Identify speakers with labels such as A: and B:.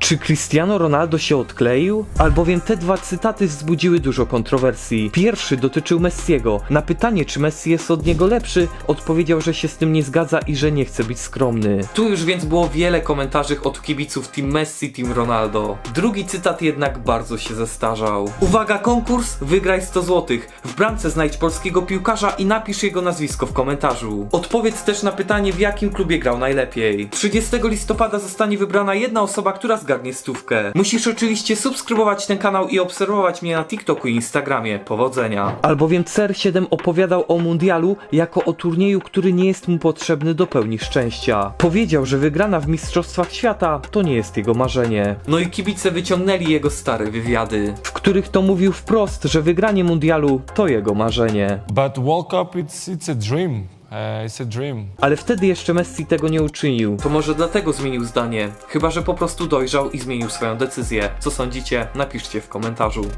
A: Czy Cristiano Ronaldo się odkleił? Albowiem te dwa cytaty wzbudziły dużo kontrowersji. Pierwszy dotyczył Messiego. Na pytanie, czy Messi jest od niego lepszy, odpowiedział, że się z tym nie zgadza i że nie chce być skromny. Tu już więc było wiele komentarzy od kibiców Team Messi, Team Ronaldo. Drugi cytat jednak bardzo się zestarzał. Uwaga, konkurs, wygraj 100 zł. W bramce znajdź polskiego piłkarza i napisz jego nazwisko w komentarzu. Odpowiedz też na pytanie, w jakim klubie grał najlepiej. 30 listopada zostanie wybrana jedna osoba, która zgadnie stówkę. Musisz oczywiście subskrybować ten kanał i obserwować mnie na TikToku i Instagramie. Powodzenia. Albowiem CR7 opowiadał o mundialu jako o turnieju, który nie jest mu potrzebny do pełni szczęścia. Powiedział, że wygrana w Mistrzostwach Świata to nie jest jego marzenie. No i kibice wyciągnęli jego stare wywiady, w których to mówił wprost, że wygranie mundialu to jego marzenie.
B: But World Cup, it's a dream. It's a dream.
A: Ale wtedy jeszcze Messi tego nie uczynił. To może dlatego zmienił zdanie. Chyba że po prostu dojrzał i zmienił swoją decyzję. Co sądzicie? Napiszcie w komentarzu.